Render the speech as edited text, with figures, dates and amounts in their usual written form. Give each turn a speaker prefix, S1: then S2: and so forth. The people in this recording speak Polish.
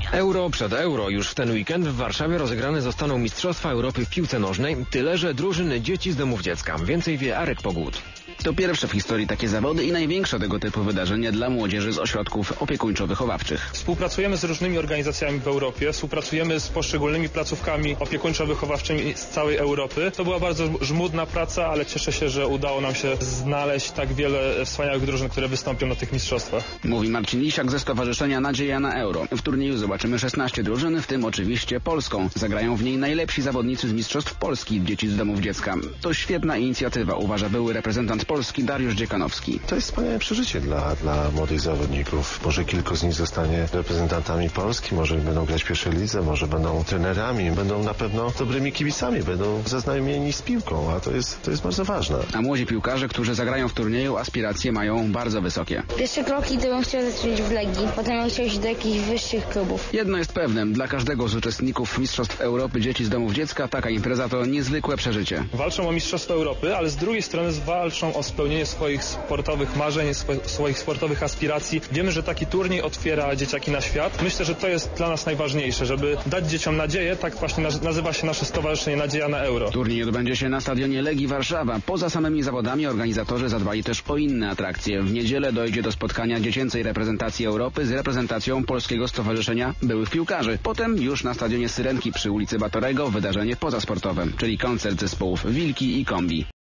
S1: Euro przed euro. Już w ten weekend w Warszawie rozegrane zostaną Mistrzostwa Europy w piłce nożnej. Tyle, że drużyny dzieci z domów dziecka. Więcej wie Arek Pogód.
S2: To pierwsze w historii takie zawody i największe tego typu wydarzenie dla młodzieży z ośrodków opiekuńczo-wychowawczych.
S3: Współpracujemy z różnymi organizacjami w Europie, współpracujemy z poszczególnymi placówkami opiekuńczo-wychowawczymi z całej Europy. To była bardzo żmudna praca, ale cieszę się, że udało nam się znaleźć tak wiele wspaniałych drużyn, które wystąpią na tych mistrzostwach.
S2: Mówi Marcin Lisiak ze Stowarzyszenia Nadzieja na Euro. W turnieju zobaczymy 16 drużyn, w tym oczywiście polską. Zagrają w niej najlepsi zawodnicy z mistrzostw Polski, dzieci z domów dziecka. To świetna inicjatywa, uważa były reprezentant Polski Dariusz Dziekanowski.
S4: To jest wspaniałe przeżycie dla młodych zawodników. Może kilku z nich zostanie reprezentantami Polski, może będą grać w pierwszej lidze, może będą trenerami, będą na pewno dobrymi kibicami, będą zaznajomieni z piłką, a to jest bardzo ważne.
S2: A młodzi piłkarze, którzy zagrają w turnieju, aspiracje mają bardzo wysokie.
S5: Pierwsze kroki to bym chciał zacząć w Legii, potem bym chciał iść do jakichś wyższych klubów.
S2: Jedno jest pewne, dla każdego z uczestników Mistrzostw Europy dzieci z domów dziecka taka impreza to niezwykłe przeżycie.
S3: Walczą o Mistrzostwo Europy, ale z drugiej strony walczą o spełnienie swoich sportowych marzeń, swoich sportowych aspiracji. Wiemy, że taki turniej otwiera dzieciaki na świat. Myślę, że to jest dla nas najważniejsze, żeby dać dzieciom nadzieję. Tak właśnie nazywa się nasze stowarzyszenie Nadzieja na Euro.
S2: Turniej odbędzie się na stadionie Legii Warszawa. Poza samymi zawodami organizatorzy zadbali też o inne atrakcje. W niedzielę dojdzie do spotkania dziecięcej reprezentacji Europy z reprezentacją Polskiego Stowarzyszenia Byłych Piłkarzy. Potem już na stadionie Syrenki przy ulicy Batorego wydarzenie pozasportowe, czyli koncert zespołów Wilki i Kombi.